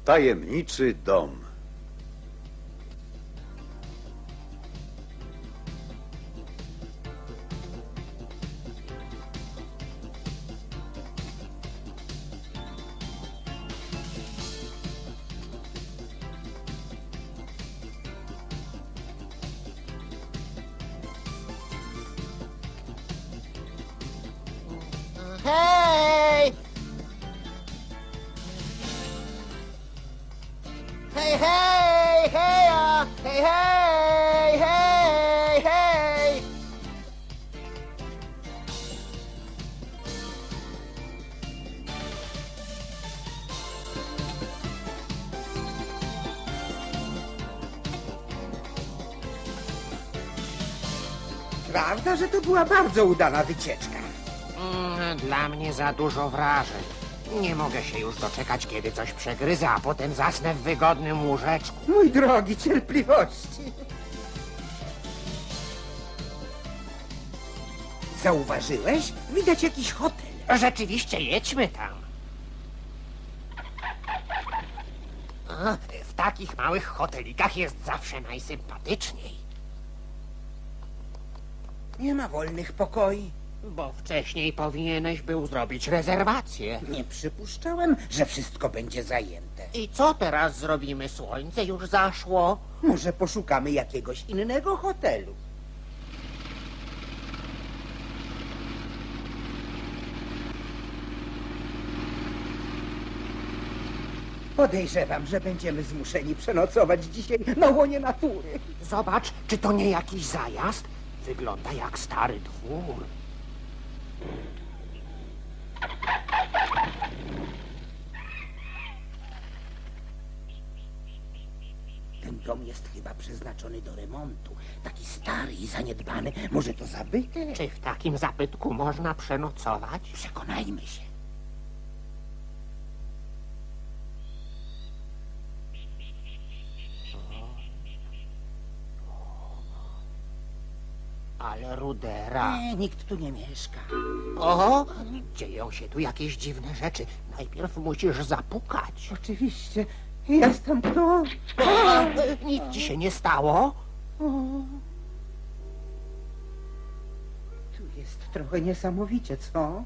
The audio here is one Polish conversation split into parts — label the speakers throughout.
Speaker 1: Tajemniczy dom.
Speaker 2: Hej! Hej, hej, heja! Hej, hej, hej, hej!
Speaker 3: Prawda, że to była bardzo udana wycieczka.
Speaker 4: Dla mnie za dużo wrażeń. Nie mogę się już doczekać, kiedy coś przegryzę, a potem zasnę w wygodnym łóżeczku.
Speaker 3: Mój drogi, cierpliwości. Zauważyłeś? Widać jakiś hotel.
Speaker 4: Rzeczywiście, jedźmy tam. W takich małych hotelikach jest zawsze najsympatyczniej.
Speaker 3: Nie ma wolnych pokoi.
Speaker 4: Bo wcześniej powinieneś był zrobić rezerwację.
Speaker 3: Nie przypuszczałem, że wszystko będzie zajęte.
Speaker 4: I co teraz zrobimy? Słońce już zaszło.
Speaker 3: Może poszukamy jakiegoś innego hotelu. Podejrzewam, że będziemy zmuszeni przenocować dzisiaj na łonie natury.
Speaker 4: Zobacz, czy to nie jakiś zajazd? Wygląda jak stary dwór.
Speaker 3: Ten dom jest chyba przeznaczony do remontu. Taki stary i zaniedbany. Może to zabytek?
Speaker 4: Czy w takim zabytku można przenocować?
Speaker 3: Przekonajmy się.
Speaker 4: Ale rudera.
Speaker 3: Nie, nikt tu nie mieszka.
Speaker 4: O, dzieją się tu jakieś dziwne rzeczy. Najpierw musisz zapukać.
Speaker 3: Oczywiście. Jestem tu.
Speaker 4: Nic ci się nie stało?
Speaker 3: Tu jest trochę niesamowicie, co?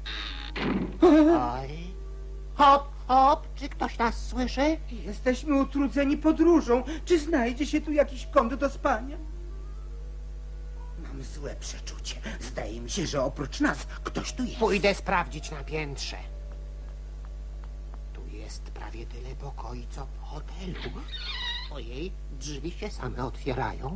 Speaker 4: Oj. Hop, hop, czy ktoś nas słyszy?
Speaker 3: Jesteśmy utrudzeni podróżą. Czy znajdzie się tu jakiś kąt do spania? Mam złe przeczucie. Zdaje mi się, że oprócz nas ktoś tu jest.
Speaker 4: Pójdę sprawdzić na piętrze. Tu jest prawie tyle pokoi, co w hotelu. Ojej, drzwi się same otwierają.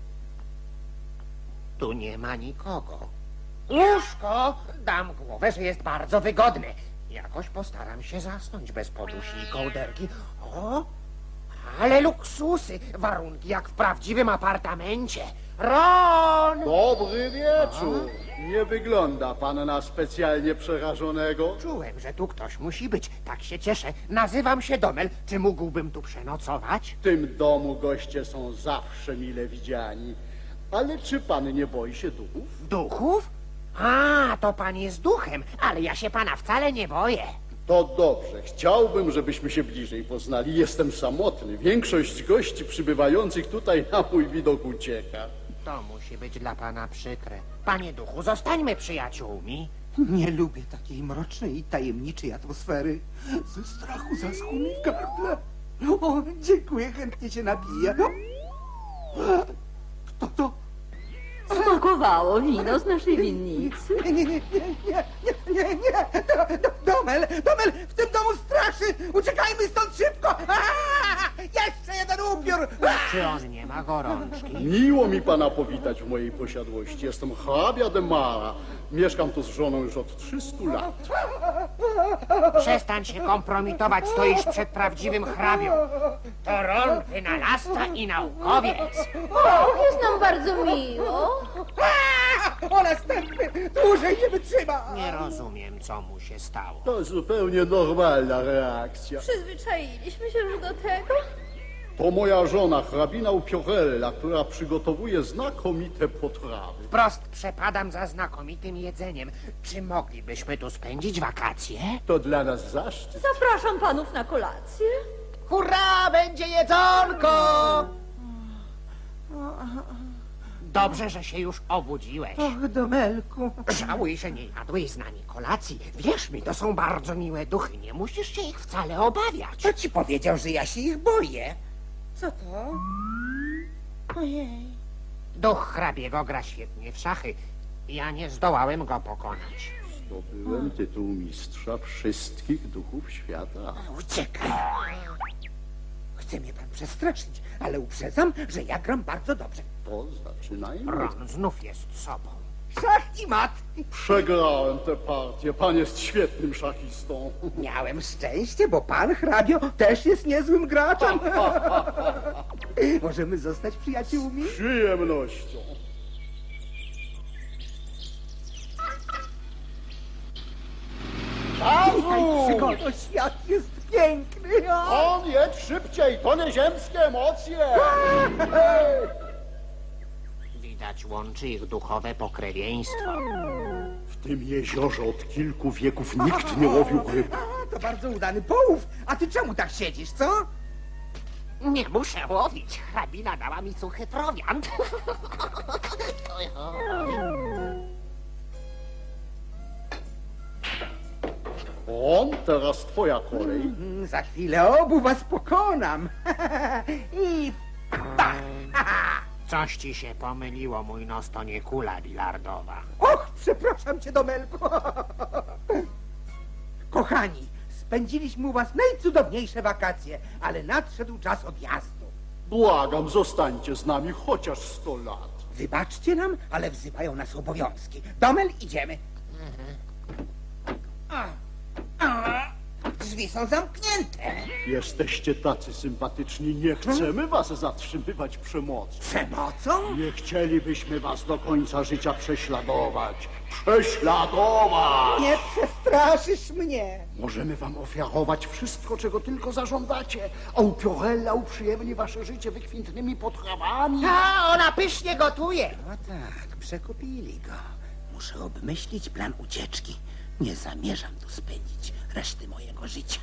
Speaker 4: Tu nie ma nikogo. Łóżko! Dam głowę, że jest bardzo wygodne. Jakoś postaram się zasnąć bez podusi i kołderki. O, ale luksusy! Warunki jak w prawdziwym apartamencie. Ron!
Speaker 5: Dobry wieczór. Nie wygląda pan na specjalnie przerażonego.
Speaker 4: Czułem, że tu ktoś musi być. Tak się cieszę. Nazywam się Domel. Czy mógłbym tu przenocować?
Speaker 5: W tym domu goście są zawsze mile widziani. Ale czy pan nie boi się duchów?
Speaker 4: Duchów? A, to pan jest duchem, ale ja się pana wcale nie boję.
Speaker 5: To dobrze. Chciałbym, żebyśmy się bliżej poznali. Jestem samotny. Większość gości przybywających tutaj na mój widok ucieka.
Speaker 4: To musi być dla pana przykre. Panie duchu, zostańmy przyjaciółmi.
Speaker 3: Nie lubię takiej mrocznej i tajemniczej atmosfery. Ze strachu zaschło mi w gardle. O, dziękuję, chętnie się napiję. Kto to?
Speaker 6: Smakowało wino z naszej winnicy.
Speaker 3: Nie. Domel, w tym domu straszy! Uciekajmy stąd szybko! Jeszcze jeden upiór!
Speaker 4: Czy on nie ma gorączki?
Speaker 5: Miło mi pana powitać w mojej posiadłości. Jestem hrabia de Mara. Mieszkam tu z żoną już od 300 lat.
Speaker 4: Przestań się kompromitować, stoisz przed prawdziwym hrabią. To Ron, wynalazca i naukowiec.
Speaker 6: O, jest nam bardzo miło.
Speaker 3: O następny! Dłużej nie wytrzyma!
Speaker 4: Nie rozumiem, co mu się stało.
Speaker 5: To zupełnie normalna reakcja.
Speaker 6: Przyzwyczailiśmy się już do tego.
Speaker 5: To moja żona, hrabina Upiorella, która przygotowuje znakomite potrawy.
Speaker 4: Wprost przepadam za znakomitym jedzeniem. Czy moglibyśmy tu spędzić wakacje?
Speaker 5: To dla nas zaszczyt.
Speaker 6: Zapraszam panów na kolację.
Speaker 2: Hurra, będzie jedzonko!
Speaker 4: Dobrze, że się już obudziłeś.
Speaker 3: Och, Domelku.
Speaker 4: Żałuj, że nie jadłeś z nami kolacji. Wierz mi, to są bardzo miłe duchy. Nie musisz się ich wcale obawiać.
Speaker 3: Kto ci powiedział, że ja się ich boję? Co to? Ojej.
Speaker 4: Duch hrabiego gra świetnie w szachy. Ja nie zdołałem go pokonać.
Speaker 5: Zdobyłem tytuł mistrza wszystkich duchów świata.
Speaker 3: Uciekaj. Chce mnie pan przestraszyć, ale uprzedzam, że ja gram bardzo dobrze.
Speaker 5: To zaczynajmy.
Speaker 4: Ron znów jest sobą.
Speaker 3: Szach i mat.
Speaker 5: Przegrałem tę partię. Pan jest świetnym szachistą.
Speaker 3: Miałem szczęście, bo pan hrabio też jest niezłym graczem. Możemy zostać przyjaciółmi?
Speaker 5: Z przyjemnością. Czasu!
Speaker 3: Przygodo, świat jest piękny.
Speaker 5: On jedź szybciej, to nie ziemskie emocje.
Speaker 4: Widać łączy ich duchowe pokrewieństwo.
Speaker 5: W tym jeziorze od kilku wieków nikt nie łowił ryb.
Speaker 3: To bardzo udany połów. A ty czemu tak siedzisz, co?
Speaker 4: Nie muszę łowić. Hrabina dała mi suchy prowiant.
Speaker 5: On, teraz twoja kolej.
Speaker 3: Za chwilę obu was pokonam. I
Speaker 4: Coś ci się pomyliło, mój nos to nie kula bilardowa.
Speaker 3: och, przepraszam cię, Domelku. Kochani, spędziliśmy u was najcudowniejsze wakacje, ale nadszedł czas odjazdu.
Speaker 5: Błagam, zostańcie z nami chociaż 100 lat.
Speaker 3: Wybaczcie nam, ale wzywają nas obowiązki. Domel, idziemy. Drzwi są zamknięte.
Speaker 5: Jesteście tacy sympatyczni, nie chcemy was zatrzymywać przemocą.
Speaker 3: Przemocą?
Speaker 5: Nie chcielibyśmy was do końca życia prześladować. Prześladować!
Speaker 3: Nie przestraszysz mnie.
Speaker 5: Możemy wam ofiarować wszystko, czego tylko zażądacie, a upiorella uprzyjemni wasze życie wykwintnymi potrawami.
Speaker 2: A, ona pysznie gotuje.
Speaker 3: No tak, przekupili go. Muszę obmyślić plan ucieczki. Nie zamierzam tu spędzić reszty mojego życia.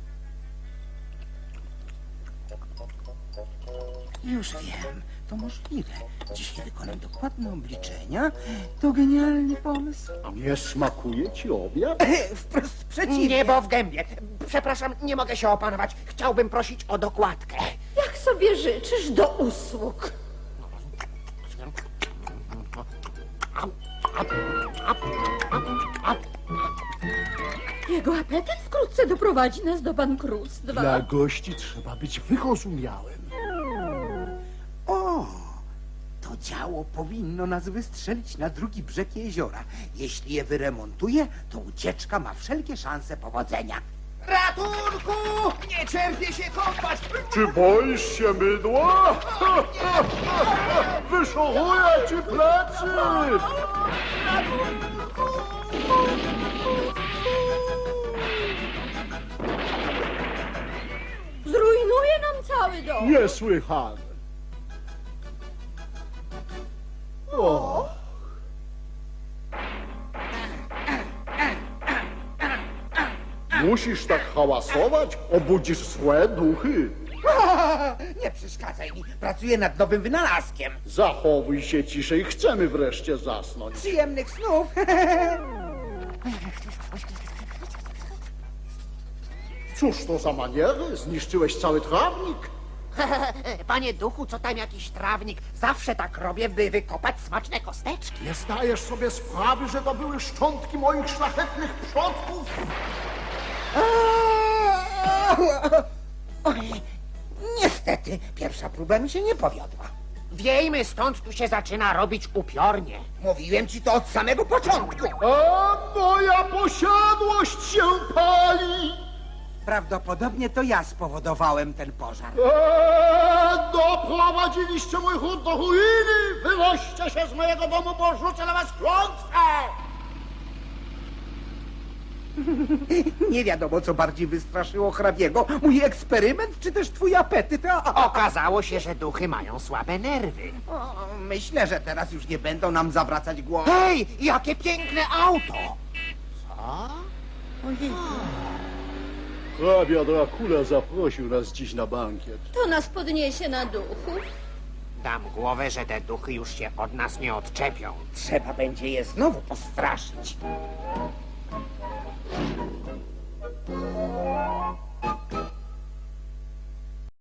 Speaker 3: Już wiem, to możliwe. Dzisiaj wykonam dokładne obliczenia. To genialny pomysł.
Speaker 5: Nie smakuje ci obiad?
Speaker 3: Wprost przeciwnie.
Speaker 4: Niebo w gębie. Przepraszam, nie mogę się opanować. Chciałbym prosić o dokładkę.
Speaker 6: Jak sobie życzysz, do usług. Jego apetyt wkrótce doprowadzi nas do bankructwa.
Speaker 5: Dla gości trzeba być wyrozumiałym.
Speaker 3: O, to działo powinno nas wystrzelić na drugi brzeg jeziora. Jeśli je wyremontuję, to ucieczka ma wszelkie szanse powodzenia.
Speaker 2: Ratunku! Nie cierpię się kąpać!
Speaker 5: Czy boisz się mydła? Wyszoruję ci plecy!
Speaker 6: Zrujnuje nam cały dom.
Speaker 5: Niesłychane. O. Musisz tak hałasować? Obudzisz złe duchy.
Speaker 3: Nie przeszkadzaj mi, pracuję nad nowym wynalazkiem.
Speaker 5: Zachowuj się ciszej, chcemy wreszcie zasnąć.
Speaker 3: Przyjemnych snów.
Speaker 5: Cóż to za maniery? Zniszczyłeś cały trawnik?
Speaker 4: Panie duchu, co tam jakiś trawnik? Zawsze tak robię, by wykopać smaczne kosteczki.
Speaker 5: Nie zdajesz sobie sprawy, że to były szczątki moich szlachetnych przodków?
Speaker 3: Oj, niestety, pierwsza próba mi się nie powiodła.
Speaker 4: Wiejmy stąd, tu się zaczyna robić upiornie.
Speaker 3: Mówiłem ci to od samego początku.
Speaker 5: A moja posiadłość się pali!
Speaker 3: Prawdopodobnie to ja spowodowałem ten pożar.
Speaker 5: Doprowadziliście mój chód do ruiny! Wynoście się z mojego domu, bo rzucę na was klątwę!
Speaker 3: Nie wiadomo, co bardziej wystraszyło hrabiego. Mój eksperyment, czy też twój apetyt?
Speaker 4: Okazało się, że duchy mają słabe nerwy.
Speaker 3: Myślę, że teraz już nie będą nam zawracać głowy.
Speaker 4: Hej, jakie piękne auto! Co?
Speaker 3: Ojej.
Speaker 5: Hrabia Dracula zaprosił nas dziś na bankiet.
Speaker 6: To nas podniesie na duchu.
Speaker 4: Dam głowę, że te duchy już się od nas nie odczepią.
Speaker 3: Trzeba będzie je znowu postraszyć.